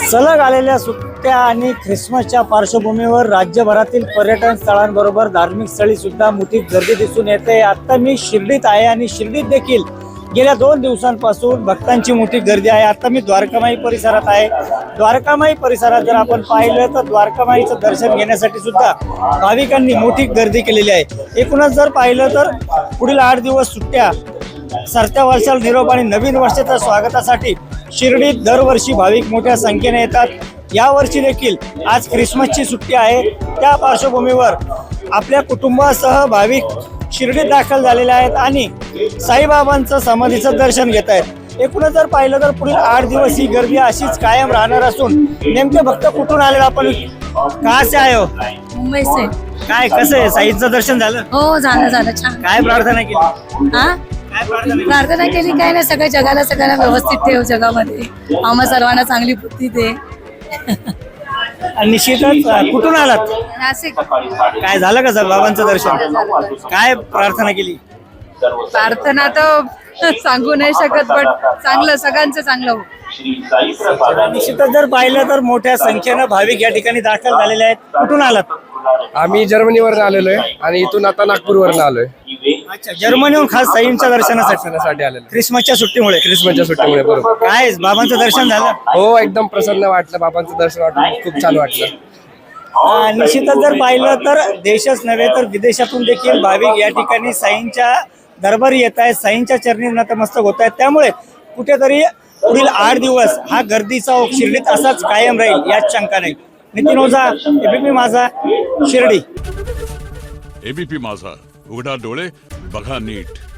सलग आलेल्या सुट्ट्या आणि ख्रिसमसच्या पार्श्वभूमीवर राज्यभरातील पर्यटन स्थळांबरोबर धार्मिक स्थळी सुद्धा मोठी गर्दी दिसून येते। आता मी शिर्डीत आहे आणि शिर्डीत देखील गेल्या 2 दिवसांपासून भक्तांची मोठी गर्दी आहे। आता मी द्वारकामाई परिसरात आहे। द्वारकामाई परिसरात जर आपण पाहिलं तर द्वारकामाईचं दर्शन घेण्यासाठी सुद्धा भाविकांनी मोठी गर्दी केलेली आहे। एकूणच जर पाहिलं तर पुढील 8 दिवस सुट्ट्या, सरत्या वर्षाला निरोप आणि नवीन वर्षाच्या स्वागतासाठी शिर्डीत दरवर्षी भाविक मोठ्या संख्येने येतात। यावर्षी देखील आज ख्रिसमसची सुट्टी आहे। त्या पार्श्वभूमीवर आपल्या कुटुंबासह भाविक शिर्डीत दाखल झालेले आहेत आणि साईबाबांचं समाधीचं दर्शन घेत आहेत। एकूणच जर पाहिलं तर पुढील 8 दिवस ही गर्दी अशीच कायम राहणार असून नेमके भक्त कुठून आले, आपण कहाँ से आए हो? मुंबई से। काय कसं आहे, साईचं दर्शन झालं? हो झालं छान। काय प्रार्थना केली? हा काय प्रार्थना केली? प्रार्थना केली काय नाही, सगळ्यांना व्यवस्थित ठेव जगामध्ये, आम्हा सर्वांना चांगली बुद्धी दे। आणि निश्चितच कुठून आलात? नाशिक। काय झालं का सर बाबांचं दर्शन? काय प्रार्थना केली? प्रार्थना तर सांगू नाही शकत, पण चांगलं, सगळ्यांचं चांगलं हो। निश्चितच जर पाहिलं तर मोठ्या संख्येनं भाविक या ठिकाणी दाखल झालेले आहेत। कुठून आलात? आम्ही जर्मनीवरून आलेलो आहे आणि इथून आता नागपूरवरून आलोय। अच्छा, जर्मनीहून खास साईंच्या दर्शनासाठी आलेलो ख्रिसमसच्या सुट्टीमुळे। ख्रिसमसच्या सुट्टीमुळे बरोबर। काय बाबांचं दर्शन झालं? हो एकदम प्रसन्न वाटलं, बाबांचं दर्शन वाटलं, खूप छान वाटलं। निश्चितच जर पाहिलं तर देशच नव्हे तर विदेशातून देखील भाविक या ठिकाणी साईंच्या दरबारी येत आहेत, साईंच्या चरणी नतमस्तक होत आहेत। त्यामुळे कुठेतरी पुढील 8 दिवस हा गर्दीचा ओघ शिर्डीत असाच कायम राहील यात शंका नाही। नितीन ओझा, एबीपी माझा, शिर्डी। एबीपी माझा, उघडा डोळे बघा नीट।